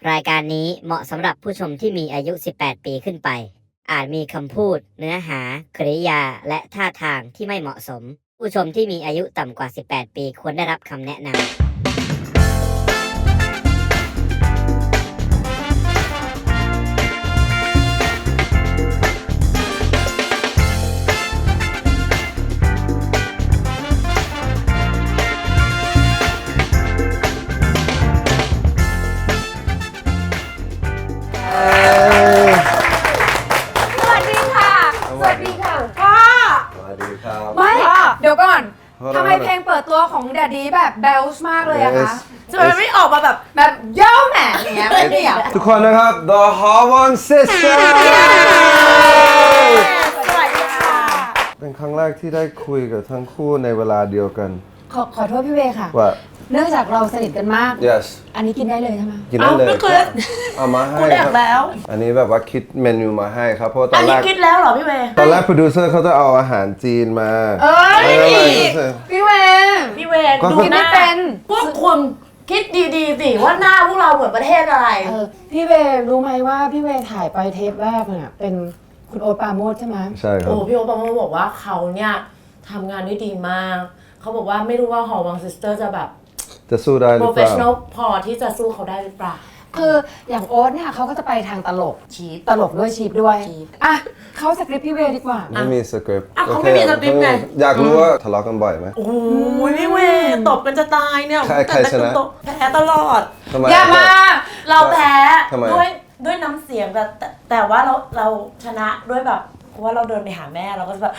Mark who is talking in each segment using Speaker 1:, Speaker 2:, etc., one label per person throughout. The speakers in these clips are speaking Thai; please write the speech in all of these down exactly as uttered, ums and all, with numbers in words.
Speaker 1: รายการนี้เหมาะสำหรับผู้ชมที่มีอายุ สิบแปด ปีขึ้นไป อาจมีคำพูด เนื้อหา กริยา และท่าทางที่ไม่เหมาะสม ผู้ชมที่มีอายุต่ำกว่า สิบแปด ปีควรได้รับคำแนะนำ
Speaker 2: เดี๋ยวก่อนทำไมเพลงเปิดตัวของแดดดี้แบบเบลส์มากเลยอะคะทำไมไม่ออกมาแบบแบบโย่แหม่อย่างเงี้ยไม่ได้อะ
Speaker 3: ทุกคนนะครับ The Harmon Sisters
Speaker 2: สวัสดีค่ะ
Speaker 3: เป็นครั้งแรกที่ได้คุยกับทั้งคู่ในเวลาเดียวกัน
Speaker 2: ขอขอโทษพี่เวค่ะ
Speaker 3: ว่า
Speaker 2: เนื่องจากเราสนิทกันมาก
Speaker 3: yes
Speaker 2: อันนี้กินได้เลยใช่ไหม
Speaker 3: กินได้เลยเอามาให้
Speaker 4: ครับแล้ว
Speaker 3: อันนี้แบบว่าคิดเมนูมาให้ครับเพราะตอ
Speaker 4: นแรกอันนี้คิดแล้วเหรอพี่เว
Speaker 3: ตอนแรกโปรดิวเซอร์เขาจะเอาอาหารจีนมา
Speaker 2: เออพี่เว
Speaker 4: พี่เว
Speaker 2: ดูกินไม่เป็น
Speaker 4: พวกคุณคิดดีๆสิว่าหน้าพวกเราเหมือนประเทศอะไร
Speaker 2: พี่เวรู้ไหมว่าพี่เวถ่ายไปเทปแรกเนี่ยเป็นคุณโอ๊ตปราโมชใช่ไหม
Speaker 3: ใช่ครับ
Speaker 4: โอ้พี่โอ๊ตปราโมชบอกว่าเขาเนี่ยทำงานได้ดีมากเขาบอกว่าไม่รู้ว่าหอวังซิสเตอร์จะแบบ
Speaker 3: จะสู้ได้หรือเปล่า
Speaker 4: professional พอที่จะสู้เขาได้หรือเปล่า
Speaker 2: คืออย่างโอ๊ตเนี่ยเขาก็จะไปทางตลก
Speaker 4: ชีพ
Speaker 2: ตลกด้วยชีพด้วยอ่ะเขาสคริปต์พี่เวดีกว่า
Speaker 3: ไม่มีสคริปต์
Speaker 4: อ่ะเขาไม่มีสคริปต์ไง
Speaker 3: อยากรู้ว่าทะเลาะกันบ่อยไหม
Speaker 4: โอ้ยพี่เวตบกันจะตายเนี่ย
Speaker 3: ใครชนะ
Speaker 4: แพ้ตลอด
Speaker 2: อย่ามา
Speaker 4: เราแพ้ด้วยด้วยน้ำเสียงแต่แต่ว่าเราเราชนะด้วยแบบเพราะว่าเราเดินไปหาแม่เราก็จะแบบ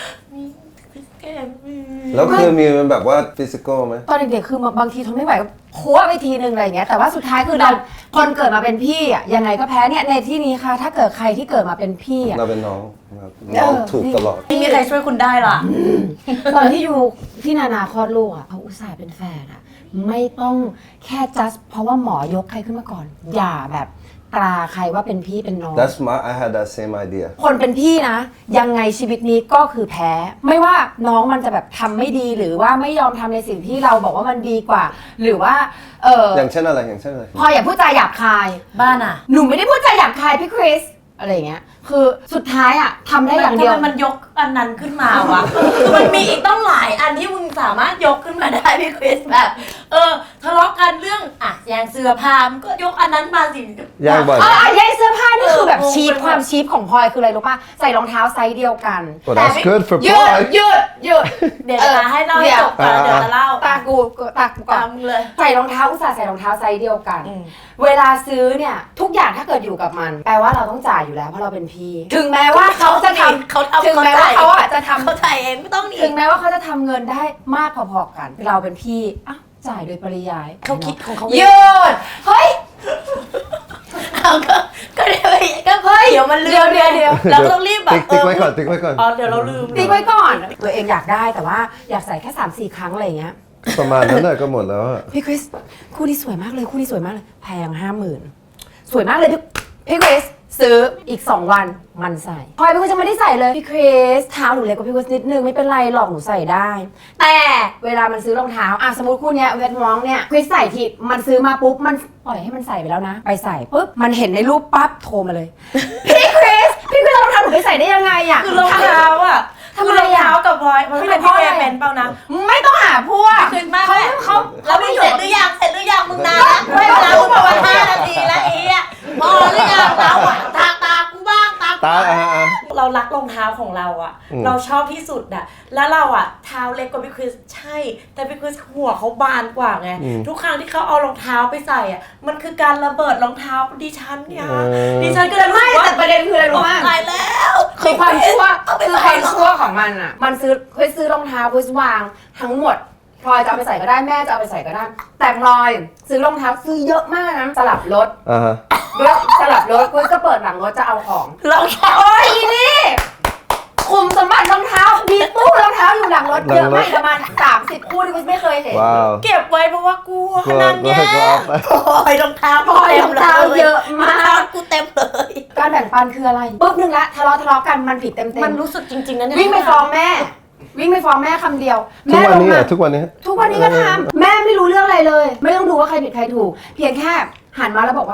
Speaker 3: แล้วคือมีมันแบบว่าฟิสิกอลไหม
Speaker 2: ตอนเด็กๆคือบางทีทนไม่ไหวก็โค้ไปทีนึงอะไรอย่างเงี้ยแต่ว่าสุดท้ายคือเราคนเกิดมาเป็นพี่อ่ะยังไงก็แพ้เนี่ยในที่นี้ค่ะถ้าเกิดใครที่เกิดมาเป็นพี่อ่ะ
Speaker 3: เราเป็นน้องครับน้องถูกตลอด
Speaker 4: ไม่มีใครช่วยคุณได้ล่ะ
Speaker 2: ตอนที่อยู่ที่นานาคลอดลูกอ่ะเขาอุตส่าห์เป็นแฟนอ่ะไม่ต้องแค่ just เพราะว่าหมอยกใครขึ้นมาก่อนอย่าแบบตราใครว่าเป็นพี่เป็นน้อง
Speaker 3: That's my I had that same idea
Speaker 2: คนเป็นพี่นะยังไงชีวิตนี้ก็คือแพ้ไม่ว่าน้องมันจะแบบทำไม่ดีหรือว่าไม่ยอมทำในสิ่งที่เราบอกว่ามันดีกว่าหรือว่าเออ
Speaker 3: อย่างเช่นอะไรอย่างเช่นอะไร
Speaker 2: พออย่าพูดจาหยาบคาย
Speaker 4: บ้านอ่ะ
Speaker 2: หนูไม่ได้พูดจาหยาบคายพี่คริสอะไรเงี้ยคือสุดท้ายอ่ะทำได้อย่างเดียว
Speaker 4: มันยกอันนั้นขึ้นมาวะมันมีอีกต้องหลายอันที่มึงสามารถยกขึ้นมาได้พี่คริสแบบเออทะเลาะกันเรื่องอ่ะแย่งเสื้อผ้ามันก็ยกอันนั้นมาสิ
Speaker 3: แย่งบ่อย
Speaker 2: อ๋อแย่งเสื้อผ้านี่คือแบบชีพความชีพของพลอยคืออะไรรู้ป่ะใส่รองเท้าไซส์เดียวกัน
Speaker 3: แต่ good for
Speaker 2: หยุดหยุดหยุด
Speaker 4: เดี๋ยวจะให้เล่าให้จบก่อนเดี๋ยวจะเล่า
Speaker 2: ตากูตากูก่อน
Speaker 4: เลย
Speaker 2: ใส่รองเท้าอุตส่าห์ใส่รองเท้าไซส์เดียวกันเวลาซื้อเนี่ยทุกอย่างถ้าเกิดอยู่กับมันแปลว่าเราต้องจ่ายอยู่แล้วเพราะเราเป็นพี่ถึงแม้ว่าเขาจะทำ
Speaker 4: เขา
Speaker 2: ถึงแม้ว่าเขาอ่ะจะทำ
Speaker 4: เขาจ่ายเองไม่ต้อง
Speaker 2: ถึงแม้ว่าเขาจะทำเงินได้มากพอๆกันเราเป็นพี่อ่ะจ่ายโดยปริยาย
Speaker 4: เขาคิดของเขา
Speaker 2: หยุดเฮ้ย
Speaker 4: เอาก็ก็เดี๋ยวก็เฮ้ยเดี๋ยวมันลืม
Speaker 2: เดี๋ยวเดี๋ยว
Speaker 4: เราต้องรีบแบบ
Speaker 3: ติ๊กไว้ก่อนติ๊กไว้ก่อน
Speaker 4: อ๋อเดี๋ยวเราลืม
Speaker 2: ติ๊กไว้ก่อนตัวเองอยากได้แต่ว่าอยากใส่แค่ สามสี่ ครั้งอะไรอย่างเงี้ย
Speaker 3: ประมาณนั้นแหละก็หมดแล้วอะ
Speaker 2: พี่คริสคู่นี้สวยมากเลยคู่นี้สวยมากเลยแพงห้าหมื่นสวยมากเลยพี่พี่คริสซื้ออีกสองวันมันใส่พลอยพี่คริสจะไม่ได้ใส่เลยพี่คริสเท้าหนูเล็กกว่าพี่คริสนิดนึงไม่เป็นไรหรอกหนูใส่ได้แต่เวลามันซื้อรองเท้าอ่ะสมมติคู่เนี้ยเวทมองเนี่ยคริสใส่ทีมันซื้อมาปุ๊บมันปล่อยให้มันใส่ไปแล้วนะไปใส่ปุ๊บมันเห็นในรูปปั๊บโทรมาเลยพี่คริสพี่คริสรองเท้าหนูไปใส่ได้ยังไงอ่ะ
Speaker 4: คือรองเท้าอ่ะทำไมรองเท้ากับพลอยมันเป็นพี่เวเป็นเปล่านะ
Speaker 2: ไม่ต้องหาพวก
Speaker 4: คือมากเขาเขาแล้วมึงเสร็จหรือยังเสร็จหรือยังมึงนานแล้วไม่นานมึงบอกว่าห้านาทีแล้วไอ้อ่ะพอหรือยังเราอ่ะตาตากูบ้างตา
Speaker 3: ตา
Speaker 4: เรารักรองเท้าของเราอ่ะเราชอบที่สุดอ่ะแล้วเราอ่ะเท้าเล็กกว่าพี่คริสใช่แต่พี่คริสหัวเขาบานกว่าไงทุกครั้งที่เขาเอารองเท้าไปใส่อ่ะมันคือการระเบิดรองเท้าดิฉันเนี่ยดิฉันก็เลย
Speaker 2: ไม่แต่ประเด็นคืออะไรรู้มั้ย
Speaker 4: ตายแล้ว
Speaker 2: คือความชั่วคือความชั่วของมันอ่ะมันซื้อเคยซื้อรองเท้าเคยวางทั้งหมดพลอยจะเอาไปใส่ก็ได้แม่จะเอาไปใส่ก็ได้แต่พลอยซื้อรองเท้าซื้อเยอะมากนะสลับรถ
Speaker 3: อ่าฮะ
Speaker 2: ด้วยสลับรถก็เปิดหลังรถจะเอาของ
Speaker 4: รองเท้า
Speaker 2: โอ้ยนี่คุมสมบัติรองเท้ามีตู้รองเท้าอยู่หลังรถเยอะมากประมาณสามสิบคู่ที่กูไม่เคยเห็น
Speaker 4: เก็บไว้เพราะว่ากลัวนั่นเนี่ยพลอยรองเท้า
Speaker 2: พลอยรองเท้าเยอะมาก
Speaker 4: กูเต็มเลย
Speaker 2: การแบ่งปันคืออะไรปุ๊บนึงละทะเลาะทะเลาะกันมันผิดเต็มๆ
Speaker 4: มันรู้สึกจริงๆนะเนี่ย
Speaker 2: วิ่งไปฟ้องแม่วิ่งไปฟ้องแม่คำเดียว
Speaker 3: ทุกวันนี้ทุกวันนี้
Speaker 2: ทุกวันนี้ก็ทำแม่ไม่รู้เรื่องอะไรเลยไม่ต้องดูว่าใครผิดใครถูกเพียงแค่หันมาแล้วบอกว่า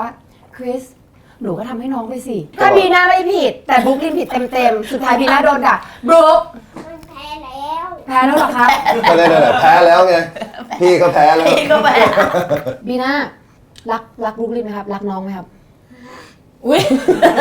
Speaker 2: คริสหนูก็ทำให้น้องไปสิ ถ้าบีน่าไม่ผิด แต่บรุ๊คลินผิดเต็มๆ สุดท้ายบีน่าโดนด่าบรุ๊ค
Speaker 5: มันแพ้แล้ว
Speaker 2: แพ้แล้วเหรอครับ
Speaker 3: ก็ได้ๆแพ้แล้วไง พี่ก็แพ้แล้ว
Speaker 4: พี่ก็แพ้
Speaker 2: บีน่ารักรักบรุ๊คลินไหมครับ รักน้องไหมครับ
Speaker 4: อุ้ย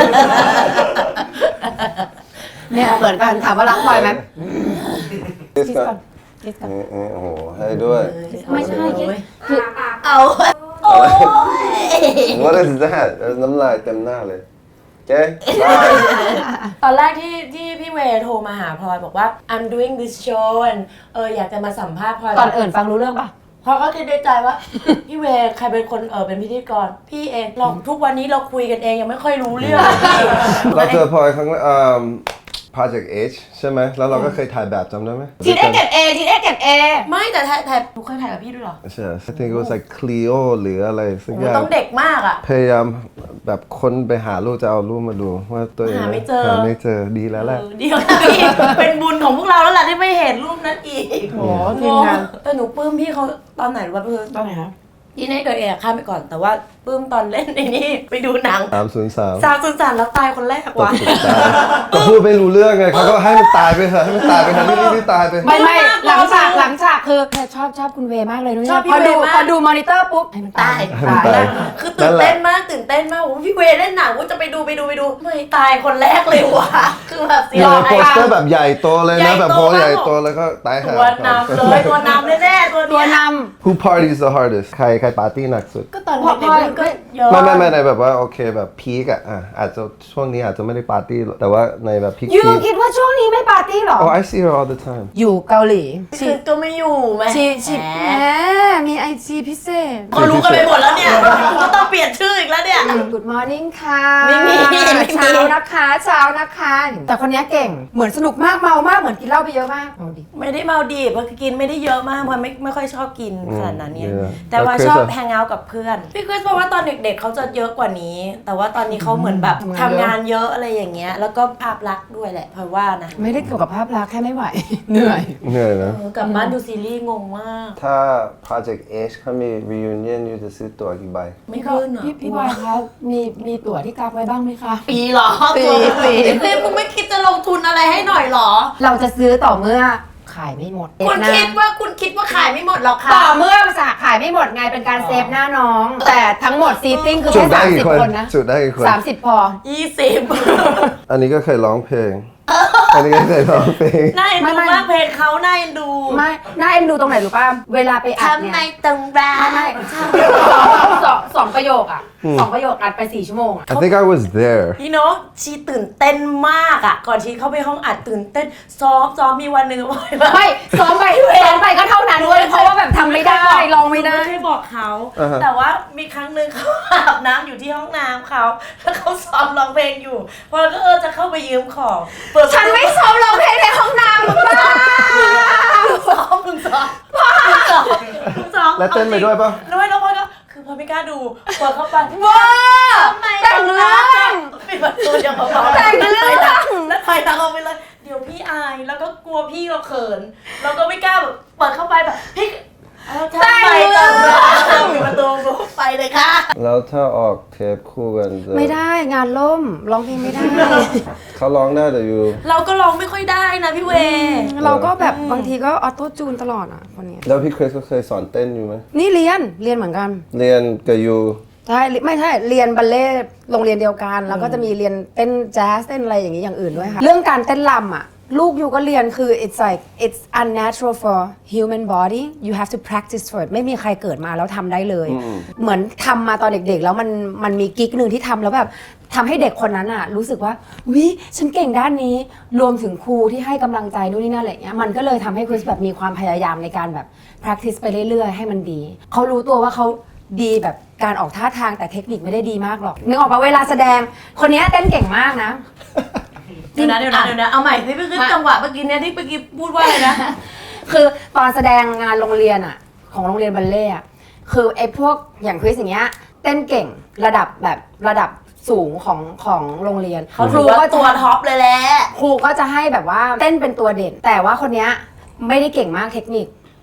Speaker 2: เนี่ยเหมือนกันถามว่ารักพลอยไหม
Speaker 3: คิส
Speaker 2: คิส
Speaker 3: ก่
Speaker 2: ก่
Speaker 3: อ
Speaker 2: อน นคิสก่อน
Speaker 3: เออเออโอ้โหให้ด้วย
Speaker 2: ไม่ใช่คิสคือ
Speaker 4: เอาโอ้ย
Speaker 3: What is that น้ำลายเต็มหน้าเลยเจ๊
Speaker 4: ตอนแรกที่ที่พี่เวย์โทรมาหาพลอยบอกว่า I'm doing this show and เอออยากจะมาสัมภาษณ์พลอย
Speaker 2: ก่อนเอื่นฟังรู้เรื่องปะ
Speaker 4: พลอยก็คิดในใจว่า พี่เวย์ใครเป็นคนเออเป็นพิธีกรพี่เองเราทุกวันนี้เราคุยกันเองยังไม่ค่อยรู้เรื่อง
Speaker 3: เราเจอพลอยครั้งแรกอ่า Project H ใช่ไหม แล้วเราก็เคยถ่ายแบบจำได้ไหม
Speaker 2: ทีเอ็กเก็บเอทีเอ็กเก็บเอ
Speaker 4: ไม่แต่ถ่ายถ่ายหนูเคยถ่ายกับพี่ด้วยเหรอ
Speaker 3: ใช่ I think it was like Clio หรืออะไรสัก
Speaker 4: โอ้
Speaker 3: อย่าง
Speaker 4: ต้องเด็กมากอ่ะ
Speaker 3: พยายามแบบค้นไปหารูปจะเอารูปมาดูว่าตัวเอง
Speaker 4: หาไม่เจอ
Speaker 3: หาไม่เจอดีแล้วแหละ
Speaker 4: เออเดี๋ยวนะพี่ เป็นบุญของพวกเราแล้วแหละที่ไม่เห็นรูปนั้นอีก
Speaker 2: โอ้ทีมงาน
Speaker 4: แต่หนูปลื้มพี่เขาตอนไหนรู้ป่ะเพื่อน
Speaker 2: ตอนไหนคะ
Speaker 4: ที่ในเกิดเองข้ามไปก่อนแต่ว่าปลื้มตอนเล่นในนี่ไปดูหนัง
Speaker 3: สามศูนย์สาม
Speaker 4: สาวสุนสานแล้วตายคนแรก
Speaker 3: ตก
Speaker 4: ว่ะ
Speaker 3: สุดตายก็พูดไม่รู้เรื่องไงเขาก็ให้มันตายไปเถอะให้มันตายไปเถอะนี่นี่ตายไป
Speaker 2: ไม่ไม่
Speaker 4: มาก
Speaker 2: หลังฉาก
Speaker 4: มาก
Speaker 2: หลังฉากคือเธอชอบชอบคุณเวย์มากเลยนุ้ย
Speaker 4: ชอบพี่
Speaker 2: พอดู
Speaker 4: เวย์มาก
Speaker 2: พอดูมอนิเตอร์ปุ๊บให้มันตาย
Speaker 3: ให้มันตาย
Speaker 4: คือตื่นเต้นมากตื่นเต้นมากโอ้โหพี่เวย์เล่นหนังว่าจะไปดูไปดูไปดูไม่ตายคนแรกเลยว่ะคือแบบเสีย
Speaker 3: เนี่ย
Speaker 4: ดาย
Speaker 3: โปสเตอร์แบบใหญ่โตเลย
Speaker 4: ใหญ่
Speaker 3: นะแบบ
Speaker 4: โต
Speaker 3: โพสใหญ่
Speaker 4: มาก
Speaker 3: โตแล้วก็ตายหา
Speaker 4: ตัวนำเลยตัวนำแน่ๆตัว
Speaker 2: ตัว
Speaker 4: เนี้ย
Speaker 2: น
Speaker 3: Who parties the hardest ใครใครปาร์ตี้หนักสุด
Speaker 4: ก็ตอน
Speaker 2: พอ
Speaker 4: เด็ก
Speaker 2: พอ
Speaker 4: ๆมันก็เยอะ
Speaker 3: ไม่ไม่ไม่ในแบบว่าโอเคแบบพีกอะอ่ะอาจจะช่วงนี้อาจจะไม่ได้ปาร์ตี้แต่ว่าในแบบพีค
Speaker 2: ำยูคิดว่าช่วงนี้ไม่ปาร์ตี้หรอ
Speaker 3: Oh I see her all the time
Speaker 2: อยู่เกาหลี
Speaker 4: คือก็ไม่อยู่ไหม
Speaker 2: ชีชี
Speaker 4: แห
Speaker 2: แห
Speaker 4: ม
Speaker 2: มมีไอจีพิเศษ
Speaker 4: เขารู้กันไปหมดแล้วเนี่ยก็ต้องเปลี่ยนชื่ออีกแล้วเนี่ย
Speaker 2: Good morning ค่ะ
Speaker 4: ไม่มีไม่มี
Speaker 2: เช้านะคะเช้านะคะ แต่คนนี้เก่งเหมือนสนุกมากเมามากเหมือนกินเหล้าไปเยอะมากเอาดิ
Speaker 4: ไม่ได้เมาดีเพราะกินไม่ได้เยอะมากเพราะไม่ไม่ค่อยชอบกินขนาดนั้นเนี่ย
Speaker 3: อืม
Speaker 4: แต่ว่า
Speaker 3: แล้วคริส
Speaker 4: ชอบ
Speaker 3: อะ
Speaker 4: แฮงเอาท์กับเพื่อนพี่คริสบอกว่าตอนเด็กๆเขาจะเยอะกว่านี้ แต่ว่าตอนนี้เขาเหมือนแบบทำงานเยอะอะไรอย่างเงี้ยแล้วก็ภาพลักษณ์ด้วยแหละเพราะว่านะ
Speaker 2: ไม่ได้เกี่ยวกับภาพลักษณ์แค่ไม่ไหว เหนื่อย
Speaker 3: เหนื่อยนะ
Speaker 4: เออกลับบ้านดูซีรีส์งงมาก
Speaker 3: ถ้า Project H เขามี reunion ยูจะซื้อตั๋วกี่ใบ
Speaker 4: ไม่ขึ้นเหรอ
Speaker 2: พี่พี่บอยคะมีมีตั๋วที่กักไว้บ้างไหมคะ
Speaker 4: ปีเหรอ
Speaker 2: ปีปี
Speaker 4: เฮ้ยมึงไม่คิดจะลงทุนอะไรให้หน่อยเหรอ
Speaker 2: เราจะซื้อต่อเมื่อขายไม่หมด
Speaker 4: คุณ
Speaker 2: เซฟหน้า
Speaker 4: คิดว่าคุณคิดว่าขายไม่หมดหรอกค่ะ
Speaker 2: ต่อเมื่อสาขายไม่หมดไงเป็นการเซฟหน้าน้อง แต่ทั้งหมดซีติ้งคือ
Speaker 3: จุ
Speaker 2: แค่
Speaker 3: ดได้
Speaker 2: สาม
Speaker 3: กี่
Speaker 2: สิบ
Speaker 3: คน
Speaker 2: คนนะ
Speaker 3: จุดได้กี่คน
Speaker 2: สามสิบพอ
Speaker 4: ยี่สิบ
Speaker 3: อันนี้ก็เคยร้องเพลง อันนี้ก็เคยร้องเพลง
Speaker 4: น่าเอ็น
Speaker 2: ไม่
Speaker 4: ดู
Speaker 2: ไม่
Speaker 4: มากเพลงเขาน่าเอ็นดู
Speaker 2: ไม่น่าเอ็นดูตรงไหนรู้ป่ะเวลาไปอัด
Speaker 4: ทำ
Speaker 2: เนี่
Speaker 4: ใน
Speaker 2: ย
Speaker 4: ตรงรา
Speaker 2: ไม่ไม่สองสองประโยคอ่ะสองประโยคอัดไปสี่ชั่วโมงอะ
Speaker 3: I think I was there
Speaker 4: พี่เนาะชีตื่นเต้นมากอ่ะ ก่อนชีเข้าไปห้องอัดตื่นเต้นซ้อมซ้อมมีวันหนึ่งว่าแบบ
Speaker 2: ไม่ซ้อมไปซ้อมไปก็เท่านั้นเว้ยเพราะว่าแบบทำไม่ได้ลองไม่ได้
Speaker 4: ไม่เคยบอกเขา
Speaker 3: อ่าฮะ
Speaker 4: แต่ว่ามีครั้งหนึ่งเขาอาบน้ำอยู่ที่ห้องน้ำเขาแล้วเขาซ้อมร้องเพลงอยู่พอแล้วก็เออจะเข้าไปยืมของเปิดประตู
Speaker 2: ฉันไม่ซ้อมร้องเพลงในห้องน้ำหรือเปล่า
Speaker 4: ซ้อมมึงซ้อมมึงซ้อมมึงซ้อม
Speaker 3: แล้วเต้นไปด้วยปะ
Speaker 4: แล้วไม่แล้วพอก็คือพอไม่กล้าดูเปิดเข้าไป
Speaker 2: ว้า
Speaker 4: ทำไม
Speaker 2: แต่งเรื่อง
Speaker 4: ปิดประตูอย่างเบาๆ
Speaker 2: แต่งเรื่อง
Speaker 4: แล้วถอยหลังออกไปเลยเดี๋ยวพี่อายแล้วก็กลัวพี่เราเขินเราก็ไม่กล้าแบบเปิดเข้าไปแบบพี่เอาทำไมแต่งเรื่องปิดประตูไปเลยค่ะ
Speaker 3: แล้วถ้าออกเทปคู่กันจะ
Speaker 2: ไม่ได้งานล่มร้องเพลงไม่ได้
Speaker 3: เขาร้องได้แต่อยู่
Speaker 4: เราก็ร้องไม่ค่อยได้นะพี่เว
Speaker 2: เราก็แบบบางทีก็ออโต้จูนตลอดอ่ะคนเนี้ย
Speaker 3: แล้วพี่คริสก็เคยสอนเต้นอยู่ไหม
Speaker 2: นี่เรียนเรียนเหมือนกัน
Speaker 3: เรียนกับยู
Speaker 2: ใช่ไม่ใช่เรียนบัลเล่ต์โรงเรียนเดียวกัน แล้วก็จะมีเรียนเต้นแจ๊สเต้นอะไรอย่างนี้อย่างอื่นด้วยค่ะเรื่องการเต้นรำอ่ะลูกยูก็เรียนคือ it's like it's unnatural for human body you have to practice for it ไม่มีใครเกิดมาแล้วทำได้เลย เหมือนทำมาตอนเด็กๆ แล้วมันมันมีกิ๊กหนึ่งที่ทำแล้วแบบทำให้เด็กคนนั้นอ่ะรู้สึกว่าวิฉันเก่งด้านนี้รวมถึงครูที่ให้กำลังใจนู่นนี่นั่นอะไรเงี้ยมันก็เลยทำให้คริสแบบมีความพยายามในการแบบ practice ไปเรื่อยๆ ให้มันดีเขารู้ตัวว่าเขาดีแบบการออกท่าทางแต่เทคนิคไม่ได้ดีมากหรอกนึกออกปะเวลาแสดงคนนี้เต้นเก่งมากนะ
Speaker 4: เดี๋ยวนะเดี๋ยวนะเดี๋ยวนะเอาใหม่สิพี่คือจังหวะเมื่อกี้เนี่ยที่เมื่อกี้พูดว่าอะไรนะ
Speaker 2: คือตอนแสดงงานโรงเรียนอะของโรงเรียนบัลเล่ต์อะคือไอ้พวกอย่างคริสอย่างเงี้ยเต้นเก่งระดับแบบระดับสูงของของโรงเรียน
Speaker 4: เขา
Speaker 2: ค
Speaker 4: ถื
Speaker 2: รู
Speaker 4: อว่า
Speaker 2: ก็
Speaker 4: ตัวท็อปเลยแหละ
Speaker 2: ครูก็จะให้แบบว่าเต้นเป็นตัวเด่น แต่ว่าคนเนี้ยไม่ได้เก่งมากเทคนิค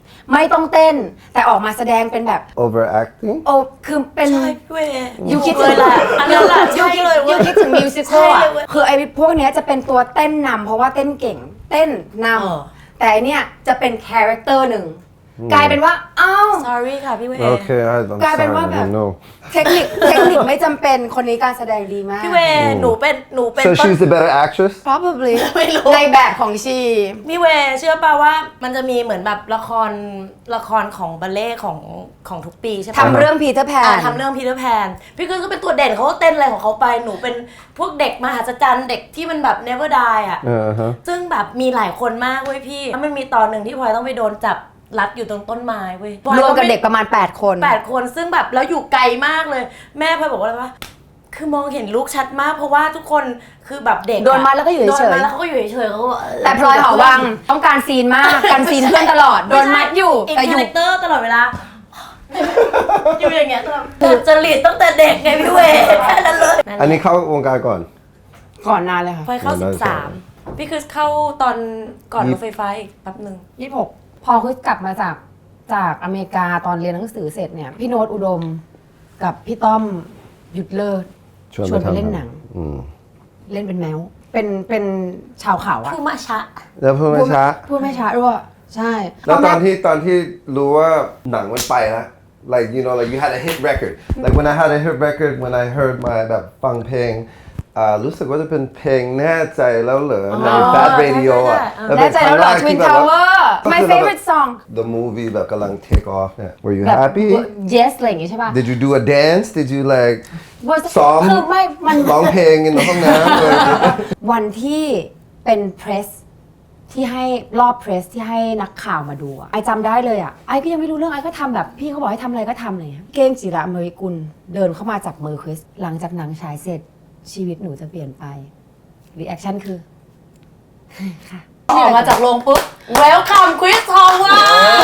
Speaker 2: ไม่ต้องเต้น แต่ออกมาแสดงเป็นแบบ
Speaker 3: overacting
Speaker 2: โอ้คือเป็น
Speaker 4: ใช่พี่เวย์
Speaker 2: ยูคิด
Speaker 4: เล
Speaker 2: ถึ
Speaker 4: ย
Speaker 2: ง
Speaker 4: แหละอันนั้นแหละ
Speaker 2: ยู
Speaker 4: ใช่
Speaker 2: คิด
Speaker 4: เลยเว้
Speaker 2: ยู
Speaker 4: ย
Speaker 2: คิดถึงมิวสิควล
Speaker 4: ใช่
Speaker 2: อ่ะ
Speaker 4: เลยเว้ย
Speaker 2: คือไอ้พวกเนี้ยจะเป็นตัวเต้นนำเพราะว่าเต้นเก่ง เต้นน
Speaker 4: เออ
Speaker 2: ำแต่อันเนี้ยจะเป็นคาแรคเตอร์หนึ่งกลายเป็นว่าอ้าว
Speaker 4: sorry ค่ะพี่เวย์
Speaker 3: okay I, I'm
Speaker 2: กลายเป็น
Speaker 3: sorry
Speaker 2: ว่า
Speaker 3: I
Speaker 2: แบบ
Speaker 3: didn't know
Speaker 2: เทคนิคเทคนิคไม่จำเป็นคนนี้การแสดงดีมาก
Speaker 4: พี่เวย์หนูเป็นหนูเป็น
Speaker 3: so
Speaker 4: ต้น
Speaker 3: she's the better actress
Speaker 2: probably
Speaker 4: ไม่รู้
Speaker 2: ในแบบของชี
Speaker 4: พี่เวย์เชื่อป่าว่ามันจะมีเหมือนแบบละครละครของบัลเล่ของของทุกปีใช่ปะ
Speaker 2: ทำเรื่องพีเตอร์แพ
Speaker 4: อ่าน ทำเรื่องพีเตอร์แพนพี่คือก็เป็นตัวเด่นเขาก็เต้นอะไรของเขาไปหนูเป็นพวกเด็กมหัศจรรย์เด็กที่มันแบบ never die อ่ะ
Speaker 3: เออฮะ
Speaker 4: ซึ่งแบบมีหลายคนมากเว้ยพี่มันมีตอนหนึ่งที่พลอยต้องไปโดนจับรัดอยู่ตรงต้นไม้เว้ย
Speaker 2: รวมกับเด็กประมาณ แปด คน
Speaker 4: แปดคนซึ่งแบบแล้วอยู่ไกลมากเลย แม่พลอยบอกว่าอะไรวะคือมองเห็นลูกชัดมากเพราะว่าทุกคนคือแบบเด็กอะ
Speaker 2: โดนมัดแล้วก็อยู่เฉยๆ
Speaker 4: โดนมัดแล้วเขาก็อยู่เฉยๆเขาก็
Speaker 2: แต่พลอยหอวังต้องการซีนมากการซีนเพื่อนตลอด โดนมัดอยู่
Speaker 4: อีก
Speaker 2: แต่อ
Speaker 4: คา
Speaker 2: ยู่
Speaker 4: แรคเตอร์ตลอดเวลา อยู่อย่างเงี้ยตลอดแต่จริตตั้งแต่เด็กไงพี่เวย์แค่นั้นเลย
Speaker 3: อันนี้เข้าวงการก่อน
Speaker 2: ก่อนนานเลยค่ะ
Speaker 4: พลอยเข้า
Speaker 3: ได้
Speaker 4: สิบสาม
Speaker 3: ใช่
Speaker 4: พี่คือเข้าตอนก่อน
Speaker 3: ยี่
Speaker 4: รถไฟฟ้าอีกแป๊บหนึ่ง
Speaker 2: ยี่สิบหกพอคือกลับมาจากจากอเมริกาตอนเรียนหนังสือเสร็จเนี่ย พี่โน้ตอุดมกับพี่ต้อมหยุดเลิศ ชวนไปเล่นหนัง
Speaker 3: อืม
Speaker 2: เล่นเป็นแมว เป็นเป็นชาวเขาอะ
Speaker 4: คือมาชะ
Speaker 3: แล้วเพิ่งไม่ช้า
Speaker 2: พูดไม่ช้าด้วยใช่
Speaker 3: แล้วตอนที่ตอนที่รู้ว่าหนังมันไปแล้ว like you know like you had a hit record like when I had a hit record when I heard my แบบฟังเพลงอ่ารู้สึกว่าจะเป็นเพลงแน่ใจแล้วเหรอใน Fat Radio อ่ะ
Speaker 2: แน่ใจแล้วเหรอ
Speaker 3: เป็
Speaker 2: Twin
Speaker 3: ครั้งแรกที่แบบว่า
Speaker 2: Tower
Speaker 3: ก็
Speaker 2: my
Speaker 3: คือเราแบบ
Speaker 2: favorite song
Speaker 3: the movie แบบกำลัง take off เนี่ย were you
Speaker 2: แบบ
Speaker 3: happy
Speaker 2: yes อะไรอย่างงี้ใช่ป่ะ
Speaker 3: did you do a dance did you like ซ้อม
Speaker 2: คือไม่มัน
Speaker 3: ร้องเพลงในห้องน้ำเลย
Speaker 2: วันที่เป็นเพรสที่ให้รอบเพรสที่ให้นักข่าวมาดูอะไอจำได้เลยอะไอก็ยังไม่รู้เรื่องไอก็ทำแบบพี่เขาบอกให้ทำอะไรก็ทำเลยเก้งจิระอเมริกุลเดินเข้ามาจับมือคริสหลังจากหนังฉายเสร็จชีวิตหนูจะเปลี่ยนไปรีแอคชั่นคือ ค่ะ
Speaker 4: ออกมาจากโรงปุ๊บ welcome Chris Howard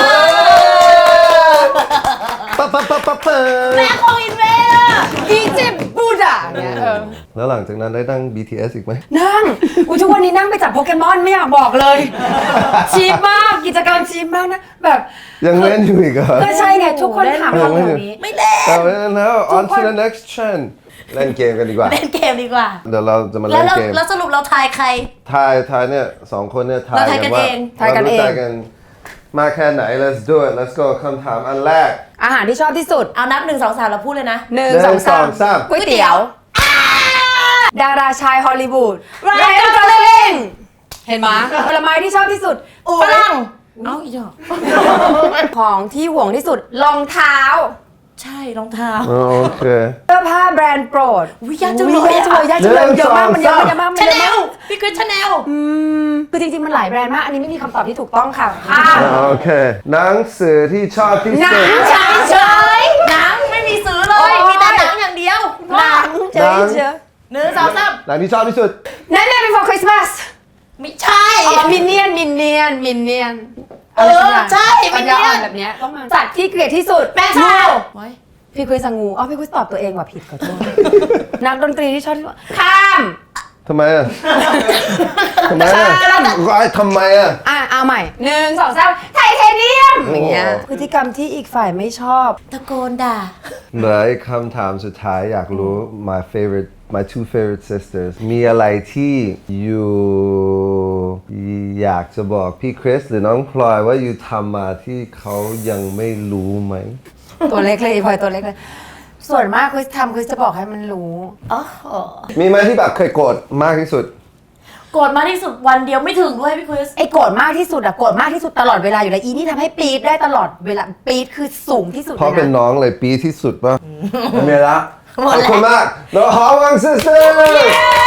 Speaker 3: ปั๊บปั๊บปั๊บปั๊บปั๊บ
Speaker 4: แม่ของอินเวย์อะ
Speaker 2: อีจิปต์บูดาเนี่ยเออ
Speaker 3: แล้วหลังจากนั้นได้นั่ง บี ที เอส อีกไหม
Speaker 2: นั่งอุยทุกวันนี้นั่งไปจับโปเกมอนไม่อยากบอกเลย ชีพมากกิจกรรมชีพมากนะแบบ
Speaker 3: ยังเล่นอยู่อีกเหรอ
Speaker 2: ก็ใช่ไงทุกคนถามคำแบบนี้
Speaker 4: ไม่เล่น
Speaker 3: แต่ว่าแล้ว on
Speaker 2: ทุ
Speaker 3: to
Speaker 2: กคน
Speaker 3: the next trend เล่นเกมกันดีกว่า
Speaker 4: เล่นเกมดีกว่า
Speaker 3: เดี๋ยวเราจะมา
Speaker 4: แล้
Speaker 3: เล่
Speaker 4: วน เรา
Speaker 3: เกม
Speaker 4: แล้วสรุปเราทายใคร
Speaker 3: ทายทายเนี่ยสองคนเนี่ยทาย
Speaker 4: เราทายกัน
Speaker 3: ว่า
Speaker 4: เอง
Speaker 2: ทายกันเอง
Speaker 3: รรู้จักันมาแค่ไหน let's do it let's go คำถามอันแรก
Speaker 2: อาหารที่ชอบที่สุด
Speaker 4: เอานับหนึ่งสองสามเราพูดเลยนะ
Speaker 2: หนึ่ง
Speaker 3: หนึ่ง
Speaker 2: สองสาม
Speaker 3: สองสาม
Speaker 2: ก๋วยเตี๋ยว ดาราชายฮอลลีวูด
Speaker 4: Ryan
Speaker 2: กอสลิงเห็นไหมผลไม้ที่ชอบที่สุด
Speaker 4: ฝรั่งเอ้าอีดอก
Speaker 2: ของที่ห่วงที่สุดรองเท้า
Speaker 4: ใช่รองเท้า
Speaker 3: อ๋อโอเค
Speaker 2: เสื้อผ้าแบรนด์โปรด
Speaker 4: อุ๊ยยากจังเลย
Speaker 2: อุ๊ยยากจังเลยยากจังเลย
Speaker 3: หนึ่ง
Speaker 2: เยอะมากมันเยอะ
Speaker 3: สอง
Speaker 2: มันเยอะมากมัน
Speaker 4: ชา
Speaker 2: เยอะ
Speaker 4: แน
Speaker 2: มา
Speaker 4: ล
Speaker 2: ก
Speaker 4: พี่คือชาแนล
Speaker 2: อืมคือจริงๆมันหลายแบรนด์มาก อันนี้ไม่มีคำตอบที่ถูกต้องค่ะข้าม
Speaker 3: อ๋อโอเคหนังสือที่ชอบที่
Speaker 2: หนั
Speaker 3: สุ
Speaker 2: ง
Speaker 3: ด
Speaker 2: เฉยเฉย
Speaker 4: หนังไม่มีซื้อเล
Speaker 2: โอ๊
Speaker 4: ย
Speaker 2: ย
Speaker 4: มีแต่หนังอย่างเดียว
Speaker 2: หนังเฉยเฉย
Speaker 4: หนึ่งสองสาม
Speaker 3: หนังที่ชอบที่สุด
Speaker 2: นั่นแหละ before Christmas
Speaker 4: ไม่ใช่
Speaker 2: อ๋อมินเนียนมินเนียนมินเนียน
Speaker 4: เออใช่
Speaker 2: ปัญญาอ่อนแบบเนี้ยต้องมาสัตว์ที่เกลียดที่สุด
Speaker 4: แป้งชา
Speaker 2: งู พี่คุยสังงูอ๋อพี่คุยตอบตัวเองว่าผิดขอโทษ นักดนตรีที่ชอบที่สุดข้าม
Speaker 3: ทำไมอ่ะ ทำไมอ่ะไอ้ทำไมอ่ะ
Speaker 2: อ่ะเอาใหม่หนึ่งสองสามไทเทเนียมอย่างเงี้ยพฤติกรรมที่อีกฝ่ายไม่ชอบ
Speaker 4: ตะโกนด่า
Speaker 3: เหลืออีกคำถามสุดท้ายอยากรู้ my favorite my two favorite sisters มีอะไรที่อยู่อยากจะบอกพี่คริสหรือน้องพลอยว่าอยู่ทำมาที่เขายังไม่รู้ไหม
Speaker 2: ตัวเล็กเลยพลอยตัวเล็กเลย ส่วนมากคุยทำคุยจะบอกให้มันรู้
Speaker 4: อ๋อ
Speaker 3: มีไหมที่แบบเคยโกรธมากที่สุด
Speaker 4: โกรธมากที่สุดวันเดียวไม่ถึงด้วยพี่คริส
Speaker 2: ไอ้โกรธมากที่สุดอะโกรธมากที่สุดตลอดเวลาอยู่แล้วอีนี่ทำให้ปี๊ดได้ตลอดเวลาปี๊ดคือสูงที่สุด
Speaker 3: เพราะ
Speaker 2: ลย
Speaker 3: เป็น
Speaker 2: นะ
Speaker 3: น้องเลยปีที่สุดป่ะไม่มีละ
Speaker 4: หมด
Speaker 3: ขอบ
Speaker 4: แล้ว
Speaker 3: คุณมากน้องหอวัง sisters